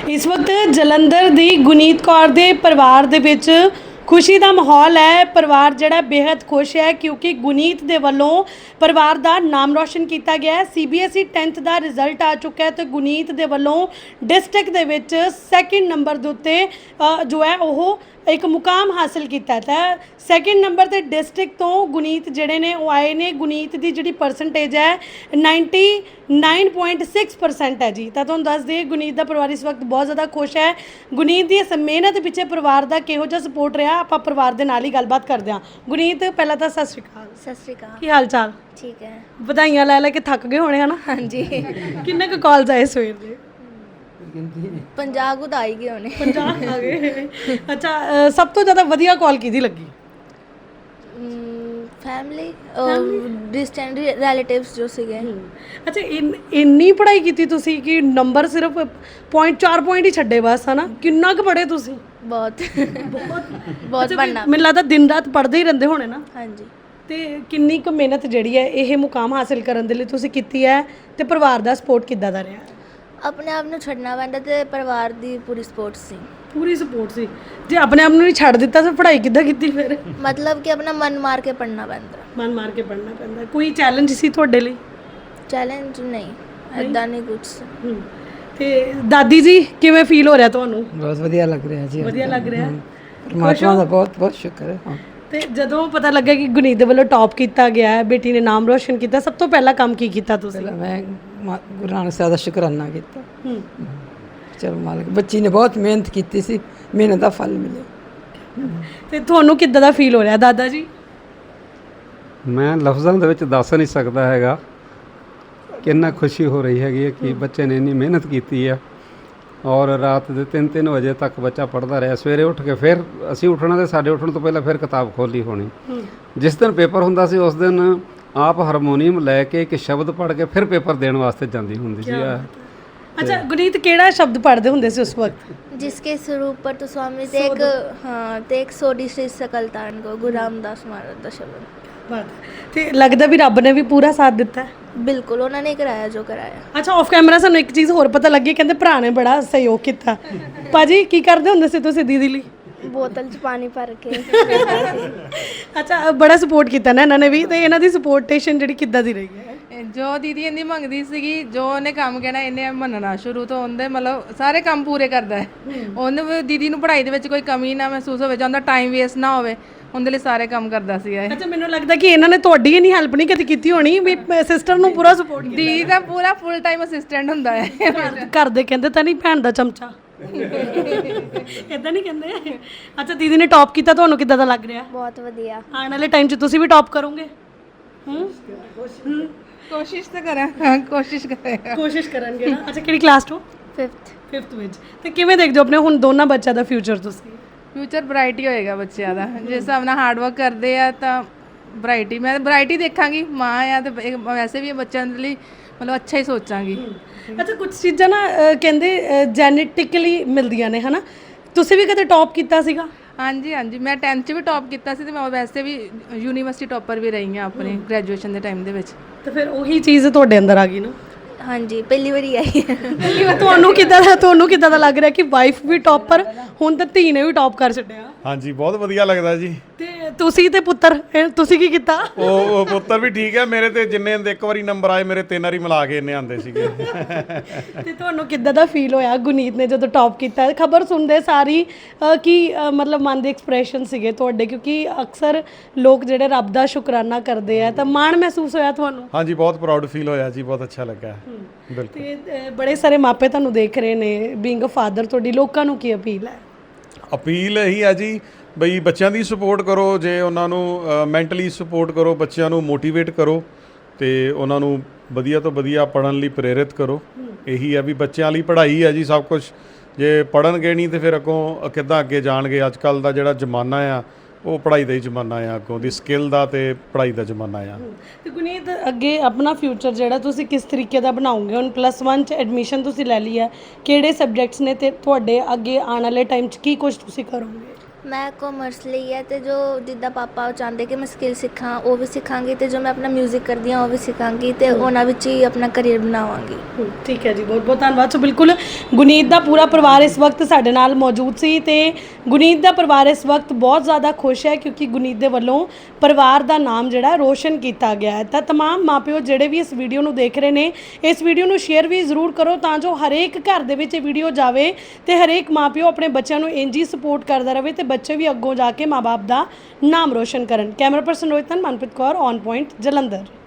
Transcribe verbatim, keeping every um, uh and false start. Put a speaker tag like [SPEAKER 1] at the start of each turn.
[SPEAKER 1] इस वक्त जलंधर दी गुनीत कौर दे परिवार दे विच खुशी का माहौल है। परिवार जड़ा बेहद खुश है क्योंकि गुनीत दे वलों परिवार का नाम रोशन किया गया है। C B S E tenth का रिजल्ट आ चुका है तो गुनीत दे वलों डिस्ट्रिक्ट दे विच सैकेंड नंबर दे उत्ते जो है वह एक मुकाम हासिल किया है। सैकेंड नंबर ते डिस्ट्रिक्ट तो गुनीत जड़े ने वो आए ने। गुनीत की जी परसेंटेज है ninety nine point six percent है जी। तो तुहानूं दस दिए गुनीत का परिवार इस वक्त बहुत ज़्यादा खुश है। गुनीत की इस मेहनत पिछे परिवार का किहो जिहा सपोर्ट रहा आपां परिवार दे नाल ही गलबात करते हैं। गुनीत पहला तो सत श्री अकाल।
[SPEAKER 2] सत श्री अकाल।
[SPEAKER 1] की हाल चाल? ठीक है। बधाइयां लै लै के थक गए होने है ना?
[SPEAKER 2] हाँ जी।
[SPEAKER 1] किन्ने क कॉल्स आए सवेर दे?
[SPEAKER 2] पंजाह कुछ आई गए होने।
[SPEAKER 1] पंजाह आ गए। अच्छा, अ, सब तो ज़्यादा वधिया कॉल किहदी लगी?
[SPEAKER 2] फैमिली और डिस्टेंट रिलेटिव्स जो सीगे।
[SPEAKER 1] अच्छा, इन इन्नी पढ़ाई की तुसी कि नंबर सिर्फ पॉइंट चार पॉइंट ही छड्डे बस है ना? किन्ना क पढ़े तुसी?
[SPEAKER 2] बहुत
[SPEAKER 1] बहुत
[SPEAKER 2] बहुत पढ़ना।
[SPEAKER 1] मैनूं लगदा दिन रात पढ़दे ही रहिंदे होने ना?
[SPEAKER 2] हाँ जी।
[SPEAKER 1] ते किन्नी क मेहनत जिहड़ी है ये मुकाम हासिल करन दे लई तुसी कीती है ते परिवार दा सपोर्ट किद्दां दा रहा?
[SPEAKER 2] अपने आप ਨੂੰ ਛੱਡਣਾ ਪੈਂਦਾ ਤੇ ਪਰਿਵਾਰ ਦੀ ਪੂਰੀ ਸਪੋਰਟ ਸੀ।
[SPEAKER 1] पूरी सपोर्ट सी। जे अपने आप नहीं छड़ दिता तो पढ़ाई किद्दां कीती फिर?
[SPEAKER 2] मतलब कि अपना मन मार के पढ़ना पैंਦਾ।
[SPEAKER 1] मन मार के पढ़ना पैंदा। कोई चैलेंज सी तुहाडे लई?
[SPEAKER 2] चैलेंज नहीं, ऐदा नहीं कुछ।
[SPEAKER 1] ते दादी जी किवें फील हो रहा तुहानूं?
[SPEAKER 3] बहुत वधिया लग रहा है जी।
[SPEAKER 1] वधिया लग रहा है।
[SPEAKER 3] परमात्मा का बहुत बहुत शुक्र है। हाँ।
[SPEAKER 1] ते जदों पता लगा कि गुनीत दे वल्लों टॉप किया गया है, बेटी ने नाम रोशन किया, सब तो पहला काम की कीता तुसीं?
[SPEAKER 3] पहला मैं मा- गुरु नानक साहब का शुकराना किया। चलो मालिक, बच्ची ने बहुत मेहनत की सी, मेहनत का फल मिले।
[SPEAKER 1] ਤੇ ਤੁਹਾਨੂੰ ਕਿੱਦਾਂ ਦਾ ਫੀਲ ਹੋ ਰਿਹਾ ਦਾਦਾ ਜੀ?
[SPEAKER 4] ਮੈਂ ਲਫ਼ਜ਼ਾਂ ਦੇ ਵਿੱਚ ਦੱਸ ਨਹੀਂ ਸਕਦਾ ਹੈਗਾ ਕਿੰਨਾ ਖੁਸ਼ੀ ਹੋ ਰਹੀ ਹੈਗੀ ਹੈ ਕਿ ਬੱਚੇ ਨੇ ਇੰਨੀ ਮਿਹਨਤ ਕੀਤੀ ਆ ਔਰ ਰਾਤ ਦੇ ਤਿੰਨ ਤਿੰਨ ਵਜੇ ਤੱਕ ਬੱਚਾ ਪੜ੍ਹਦਾ ਰਿਹਾ। ਸਵੇਰੇ ਉੱਠ ਕੇ ਫਿਰ ਅਸੀਂ ਉੱਠਣਾ ਤੇ ਸਾਡੇ ਉੱਠਣ ਤੋਂ ਪਹਿਲਾਂ ਫਿਰ ਕਿਤਾਬ ਖੋਲ੍ਹੀ ਹੋਣੀ। ਜਿਸ ਦਿਨ ਪੇਪਰ ਹੁੰਦਾ ਸੀ ਉਸ ਦਿਨ ਆਪ ਹਾਰਮੋਨੀਅਮ ਲੈ ਕੇ ਇੱਕ ਸ਼ਬਦ ਪੜ੍ਹ ਕੇ ਫਿਰ ਪੇਪਰ ਦੇਣ ਵਾਸਤੇ ਜਾਂਦੀ ਹੁੰਦੀ ਸੀ। ਆ
[SPEAKER 1] ਅੱਛਾ, ਗੁਨੀਤ ਕਿਹੜਾ ਸ਼ਬਦ ਪੜ੍ਹਦੇ ਹੁੰਦੇ ਸੀ ਉਸ ਵਕਤ?
[SPEAKER 2] जिसके स्वरूप पर तो स्वामी ते एक हाँ ते एक सोडी श्री सकल तारण को गुरु रामदास महाराज ਦਾ ਸ਼ਬਦ।
[SPEAKER 1] ਤੇ ਲੱਗਦਾ ਵੀ ਰੱਬ ਨੇ ਵੀ ਪੂਰਾ ਸਾਥ ਦਿੱਤਾ ਹੈ?
[SPEAKER 2] ਬਿਲਕੁਲ ਉਹਨਾਂ ਨੇ ਕਰਾਇਆ ਜੋ ਕਰਾਇਆ।
[SPEAKER 1] ਅੱਛਾ, ਆਫ ਕੈਮਰਾ ਸਾਨੂੰ ਇੱਕ ਚੀਜ਼ ਹੋਰ ਪਤਾ ਲੱਗੀ, ਕਹਿੰਦੇ ਭਰਾ ਨੇ ਬੜਾ ਸਹਿਯੋਗ ਕੀਤਾ। ਭਾਜੀ ਕੀ ਕਰਦੇ ਹੁੰਦੇ ਸੀ ਤੁਸੀਂ ਦੀਦੀ ਲਈ?
[SPEAKER 2] ਬੋਤਲ 'ਚ ਪਾਣੀ ਭਰ ਕੇ।
[SPEAKER 1] ਅੱਛਾ, ਬੜਾ ਸਪੋਰਟ ਕੀਤਾ ਨਾ ਇਹਨਾਂ ਨੇ ਵੀ। ਤੇ ਇਹਨਾਂ ਦੀ ਸਪੋਰਟੇਸ਼ਨ ਜਿਹੜੀ ਕਿੱਦਾਂ ਦੀ ਰਹੀ ਹੈ?
[SPEAKER 5] ਜੋ ਦੀਦੀ ਇੰਨੀ ਮੰਗਦੀ ਸੀਗੀ, ਜੋ ਉਹਨੇ ਕੰਮ ਕਹਿਣਾ ਇਹਨੇ ਮੰਨਣਾ ਸ਼ੁਰੂ ਤੋਂ। ਉਹਦੇ ਮਤਲਬ ਸਾਰੇ ਕੰਮ ਪੂਰੇ ਕਰਦਾ ਹੈ। ਉਹਨੂੰ ਵੀ ਦੀਦੀ ਨੂੰ ਪੜ੍ਹਾਈ ਦੇ ਵਿੱਚ ਕੋਈ ਕਮੀ ਨਾ ਮਹਿਸੂਸ ਹੋਵੇ, ਜਾਂ ਉਹਦਾ ਟਾਈਮ ਵੇਸਟ ਨਾ ਹੋਵੇ, ਉਹਦੇ ਲਈ ਸਾਰੇ ਕੰਮ ਕਰਦਾ ਸੀਗਾ ਇਹ।
[SPEAKER 1] ਅੱਛਾ, ਮੈਨੂੰ ਲੱਗਦਾ ਕਿ ਇਹਨਾਂ ਨੇ ਤੁਹਾਡੀ ਹੀ ਨਹੀਂ ਹੈਲਪ ਨਹੀਂ ਕਦੇ ਕੀਤੀ ਹੋਣੀ, ਵੀ ਸਿਸਟਰ ਨੂੰ ਪੂਰਾ ਸਪੋਰਟ ਕੀਤਾ।
[SPEAKER 5] ਦੀਦੀ ਦਾ ਪੂਰਾ ਫੁੱਲ ਟਾਈਮ ਅਸਿਸਟੈਂਟ ਹੁੰਦਾ ਹੈ।
[SPEAKER 1] ਘਰ ਦੇ ਕਹਿੰਦੇ ਤਾਂ ਨਹੀਂ ਭੈਣ ਦਾ ਚਮਚਾ? ਇਦਾਂ ਨਹੀਂ ਕਹਿੰਦੇ? ਅੱਛਾ, ਦੀਦੀ ਨੇ ਟੌਪ ਕੀਤਾ, ਤੁਹਾਨੂੰ ਕਿੱਦਾਂ ਦਾ ਲੱਗ ਰਿਹਾ?
[SPEAKER 2] ਬਹੁਤ ਵਧੀਆ।
[SPEAKER 1] ਆਉਣ ਵਾਲੇ ਟਾਈਮ 'ਚ ਤੁਸੀਂ ਵੀ ਟੌਪ ਕਰੋਗੇ? ਹੂੰ,
[SPEAKER 5] ਕੋਸ਼ਿਸ਼ ਤਾਂ ਕਰਾਂ। ਹਾਂ, ਕੋਸ਼ਿਸ਼ ਕਰਾਂਗਾ।
[SPEAKER 1] ਕੋਸ਼ਿਸ਼ ਕਰਨਗੇ ਨਾ। ਅੱਛਾ, ਕਿਹੜੀ ਕਲਾਸ ਤੋਂ?
[SPEAKER 2] ਫਿਫਥ।
[SPEAKER 1] ਫਿਫਥ ਵਿੱਚ। ਤੇ ਕਿਵੇਂ ਦੇਖਦੇ ਹੋ ਆਪਣੇ ਹੁਣ ਦੋਨਾਂ ਬੱਚਿਆਂ ਦਾ ਫਿਊਚਰ ਤੁਸੀਂ?
[SPEAKER 5] ਫਿਊਚਰ ਬ੍ਰਾਈਟ ਹੀ ਹੋਏਗਾ ਬੱਚਿਆਂ ਦਾ। ਜਿਸ ਹਿਸਾਬ ਨਾਲ ਹਾਰਡ ਵਰਕ ਕਰਦੇ ਆ ਤਾਂ ਬ੍ਰਾਈਟ ਹੀ, ਮੈਂ ਬ੍ਰਾਈਟ ਹੀ ਦੇਖਾਂਗੀ। ਮਾਂ ਆ ਤੇ ਇਹ ਵੈਸੇ ਵੀ ਬੱਚਿਆਂ ਦੇ ਲਈ ਮਤਲਬ ਅੱਛਾ ਹੀ ਸੋਚਾਂਗੀ।
[SPEAKER 1] ਅੱਛਾ, ਕੁਝ ਚੀਜ਼ਾਂ ਨਾ ਅ, ਕਹਿੰਦੇ ਜੈਨੇਟਿਕਲੀ ਮਿਲਦੀਆਂ ਨੇ, ਹਨਾ? ਤੁਸੀਂ ਵੀ ਕਦੇ ਟੌਪ ਕੀਤਾ ਸੀਗਾ?
[SPEAKER 5] ਹਾਂਜੀ ਹਾਂਜੀ, ਮੈਂ ਟੈਂਥ 'ਚ ਵੀ ਟੌਪ ਕੀਤਾ ਸੀ ਤੇ ਮੈਂ ਵੈਸੇ ਵੀ ਯੂਨੀਵਰਸਿਟੀ ਟੌਪਰ ਵੀ ਰਹੀ ਹਾਂ ਆਪਣੀ ਗ੍ਰੈਜੂਏਸ਼ਨ ਦੇ ਟਾਈਮ ਦੇ ਵਿੱਚ।
[SPEAKER 1] ਤੇ ਫਿਰ ਉਹੀ ਚੀਜ਼ ਤੁਹਾਡੇ ਅੰਦਰ ਆ ਗਈ ਨਾ?
[SPEAKER 2] ਹਾਂਜੀ, ਪਹਿਲੀ ਵਾਰੀ ਆਈ।
[SPEAKER 1] ਤੁਹਾਨੂੰ ਕਿੱਦਾਂ ਦਾ ਤੁਹਾਨੂੰ ਕਿੱਦਾਂ ਦਾ ਲੱਗ ਰਿਹਾ ਕਿ ਵਾਈਫ ਵੀ ਟੌਪਰ, ਹੁਣ ਤਾਂ ਧੀ ਨੇ ਵੀ ਟੌਪ ਕਰ ਛੱਡਿਆ?
[SPEAKER 6] ਹਾਂਜੀ, ਬਹੁਤ ਵਧੀਆ ਲੱਗਦਾ ਜੀ।
[SPEAKER 1] ਤੇ ਤੁਸੀਂ ਤੇ ਪੁੱਤਰ, ਇਹ ਤੁਸੀਂ ਕੀ ਕੀਤਾ?
[SPEAKER 6] ਉਹ ਉਹ ਪੁੱਤਰ ਵੀ ਠੀਕ ਹੈ ਮੇਰੇ। ਤੇ ਜਿੰਨੇ ਇੱਕ ਵਾਰੀ ਨੰਬਰ ਆਏ ਮੇਰੇ, ਤਿੰਨ ਵਾਰੀ ਮਿਲਾ ਕੇ ਇੰਨੇ ਆਉਂਦੇ ਸੀਗੇ।
[SPEAKER 1] ਤੇ ਤੁਹਾਨੂੰ ਕਿੱਦਾਂ ਦਾ ਫੀਲ ਹੋਇਆ ਗੁਨੀਤ ਨੇ ਜਦੋਂ ਟੌਪ ਕੀਤਾ? ਖਬਰ ਸੁਣਦੇ ਸਾਰੀ ਅ, ਕੀ ਅ, ਮਤਲਬ ਮਨ ਦੇ ਐਕਸਪ੍ਰੈਸ਼ਨ ਸੀਗੇ ਤੁਹਾਡੇ? ਕਿਉਂਕਿ ਅਕਸਰ ਲੋਕ ਜਿਹੜੇ ਰੱਬ ਦਾ ਸ਼ੁਕਰਾਨਾ ਕਰਦੇ ਆ, ਤਾਂ ਮਾਣ ਮਹਿਸੂਸ ਹੋਇਆ ਤੁਹਾਨੂੰ?
[SPEAKER 6] ਹਾਂਜੀ, ਬਹੁਤ ਪ੍ਰਾਊਡ ਫੀਲ ਹੋਇਆ ਜੀ, ਬਹੁਤ ਅੱਛਾ ਲੱਗਾ। ਬਿਲਕੁਲ।
[SPEAKER 1] ਤੇ ਅ, ਬੜੇ ਸਾਰੇ ਮਾਪੇ ਤੁਹਾਨੂੰ ਦੇਖ ਰਹੇ ਨੇ, ਬੀਇੰਗ ਅ ਫਾਦਰ, ਤੁਹਾਡੀ ਲੋਕਾਂ ਨੂੰ ਕੀ ਅਪੀਲ ਹੈ?
[SPEAKER 6] ਅਪੀਲ ਇਹੀ ਹੈ ਜੀ ਬਈ ਬੱਚਿਆਂ ਦੀ ਸਪੋਰਟ ਕਰੋ। ਜੇ ਉਹਨਾਂ ਨੂੰ ਮੈਂਟਲੀ ਸਪੋਰਟ ਕਰੋ, ਬੱਚਿਆਂ ਨੂੰ ਮੋਟੀਵੇਟ ਕਰੋ ਤੇ ਉਹਨਾਂ ਨੂੰ ਵਧੀਆ ਤੋਂ ਵਧੀਆ ਪੜ੍ਹਨ ਲਈ ਪ੍ਰੇਰਿਤ ਕਰੋ। ਇਹੀ ਹੈ ਵੀ ਬੱਚਿਆਂ ਲਈ ਪੜ੍ਹਾਈ ਹੈ ਜੀ ਸਭ ਕੁਝ। ਜੇ ਪੜ੍ਹਨਗੇ ਨਹੀਂ ਤੇ ਫਿਰ ਅੱਗੋਂ ਕਿੱਦਾਂ ਅੱਗੇ ਜਾਣਗੇ? ਅੱਜ ਕੱਲ੍ਹ ਦਾ ਜਿਹੜਾ ਜ਼ਮਾਨਾ ਆ ਉਹ ਪੜ੍ਹਾਈ ਦਾ ਹੀ ਜ਼ਮਾਨਾ ਆ, ਅੱਗੋਂ ਦੀ ਸਕਿੱਲ ਦਾ ਤੇ ਪੜ੍ਹਾਈ ਦਾ ਜ਼ਮਾਨਾ ਆ।
[SPEAKER 1] ਤੇ ਗੁਨੀਤ, ਅੱਗੇ ਆਪਣਾ ਫਿਊਚਰ ਜਿਹੜਾ ਤੁਸੀਂ ਕਿਸ ਤਰੀਕੇ ਦਾ ਬਣਾਓਗੇ? ਹੁਣ ਪਲੱਸ ਵਨ 'ਚ ਐਡਮਿਸ਼ਨ ਤੁਸੀਂ ਲੈ ਲਈ ਹੈ, ਕਿਹੜੇ ਸਬਜੈਕਟਸ ਨੇ ਤੇ ਤੁਹਾਡੇ ਅੱਗੇ ਆਉਣ ਵਾਲੇ ਟਾਈਮ 'ਚ ਕੀ ਕੁਝ ਤੁਸੀਂ ਕਰੋਗੇ?
[SPEAKER 2] ਮੈਂ ਕਾਮਰਸ ਲਈ ਹੈ ਤੇ ਜੋ ਜਿੱਦਾਂ ਪਾਪਾ ਉਹ ਚਾਹੁੰਦੇ ਕਿ ਮੈਂ ਸਕਿੱਲ ਸਿੱਖਾਂ ਉਹ ਵੀ ਸਿੱਖਾਂਗੀ ਤੇ ਜੋ ਮੈਂ ਆਪਣਾ 뮤직 ਕਰਦੀ ਹਾਂ ਉਹ ਵੀ ਸਿੱਖਾਂਗੀ ਤੇ ਉਹਨਾਂ ਵਿੱਚ ਹੀ ਆਪਣਾ ਕਰੀਅਰ ਬਣਾਵਾਂਗੀ।
[SPEAKER 1] ਠੀਕ ਹੈ ਜੀ, ਬਹੁਤ ਬਹੁਤ ਧੰਨਵਾਦ। ਸੋ ਬਿਲਕੁਲ ਗੁਨੀਤ ਦਾ ਪੂਰਾ ਪਰਿਵਾਰ ਇਸ ਵਕਤ ਸਾਡੇ ਨਾਲ ਮੌਜੂਦ ਸੀ ਤੇ ਗੁਨੀਤ ਦਾ ਪਰਿਵਾਰ ਇਸ ਵਕਤ ਬਹੁਤ ਜ਼ਿਆਦਾ ਖੁਸ਼ ਹੈ ਕਿਉਂਕਿ ਗੁਨੀਤ ਦੇ ਵੱਲੋਂ ਪਰਿਵਾਰ ਦਾ ਨਾਮ ਜਿਹੜਾ ਰੋਸ਼ਨ ਕੀਤਾ ਗਿਆ ਹੈ। ਤਾਂ ਤਮਾਮ ਮਾਪਿਓ ਜਿਹੜੇ ਵੀ ਇਸ ਵੀਡੀਓ ਨੂੰ ਦੇਖ ਰਹੇ ਨੇ, ਇਸ ਵੀਡੀਓ ਨੂੰ ਸ਼ੇਅਰ ਵੀ ਜ਼ਰੂਰ ਕਰੋ ਤਾਂ ਜੋ ਹਰੇਕ ਘਰ ਦੇ ਵਿੱਚ ਇਹ ਵੀਡੀਓ ਜਾਵੇ ਤੇ ਹਰੇਕ ਮਾਪਿਓ ਆਪਣੇ ਬੱਚਿਆਂ ਨੂੰ ਇੰਝ ਹੀ ਸਪੋਰਟ ਕਰਦਾ ਰਹੇ ਤੇ ਬੱਚੇ ਵੀ ਅੱਗੋਂ ਜਾ ਕੇ ਮਾਂ ਬਾਪ ਦਾ ਨਾਮ ਰੋਸ਼ਨ ਕਰਨ। ਕੈਮਰਾ ਪਰਸਨ ਰੋਹਿਤ ਨਾਲ ਮਨਪ੍ਰੀਤ ਕੌਰ, ਔਨ ਪੁਆਇੰਟ, ਜਲੰਧਰ।